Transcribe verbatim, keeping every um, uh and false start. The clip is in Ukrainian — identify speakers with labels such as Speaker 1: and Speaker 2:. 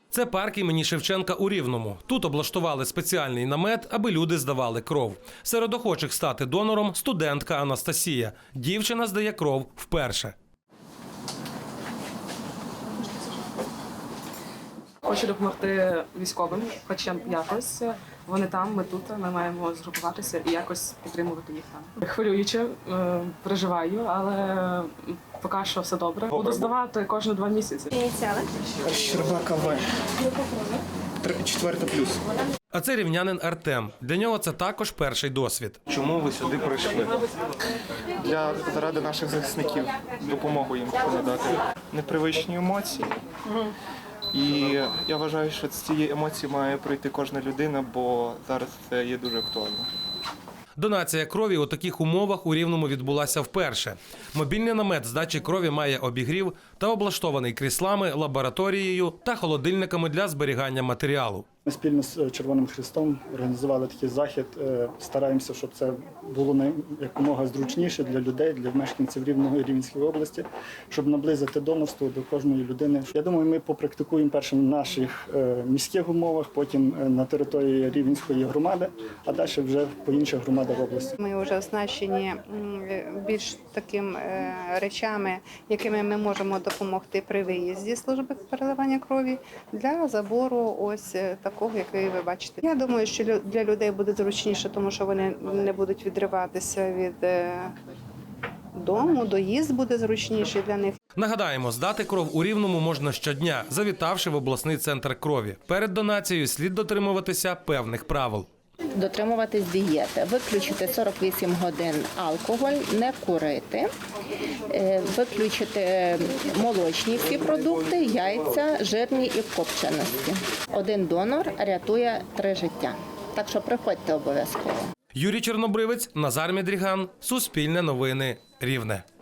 Speaker 1: Це парк імені Шевченка у Рівному. Тут облаштували спеціальний намет, аби люди здавали кров. Серед охочих стати донором – студентка Анастасія. Дівчина здає кров вперше.
Speaker 2: Хочу допомогти військовим, хоч якось. Вони там, ми тут, ми маємо згрупуватися і якось підтримувати їх там. Хвилююче, переживаю, але поки що все добре. Буду здавати кожні два місяці.
Speaker 3: Ініціали?
Speaker 4: Щербака В. Четверта плюс.
Speaker 1: А це рівнянин Артем. Для нього це також перший досвід.
Speaker 4: Чому ви сюди прийшли? Для заради наших захисників. Допомогу їм надати. Непривичні емоції. І я вважаю, що з цієї емоції має пройти кожна людина, бо зараз це є дуже актуально.
Speaker 1: Донація крові у таких умовах у Рівному відбулася вперше. Мобільний намет здачі крові має обігрів та облаштований кріслами, лабораторією та холодильниками для зберігання матеріалу.
Speaker 5: Ми спільно з Червоним Хрестом організували такий захід. Стараємося, щоб це було якомога зручніше для людей, для мешканців Рівного і Рівненської області, щоб наблизити донорство до кожної людини. Я думаю, ми попрактикуємо першим в наших міських умовах, потім на території Рівненської громади, а далі вже по інших громадах області.
Speaker 6: Ми вже оснащені більш такими речами, якими ми можемо допомогти при виїзді служби переливання крові для забору ось такого, який ви бачите. Я думаю, що для людей буде зручніше, тому що вони не будуть відриватися від дому, доїзд буде зручніший для них.
Speaker 1: Нагадаємо, здати кров у Рівному можна щодня, завітавши в обласний центр крові. Перед донацією слід дотримуватися певних правил.
Speaker 7: Дотримуватись дієти, виключити сорок вісім годин алкоголь, не курити, виключити молочні всі продукти, яйця, жирні і копченості. Один донор рятує три життя. Так що приходьте обов'язково.
Speaker 1: Юрій Чорнобривець, Назар Мідріган, Суспільне новини, Рівне.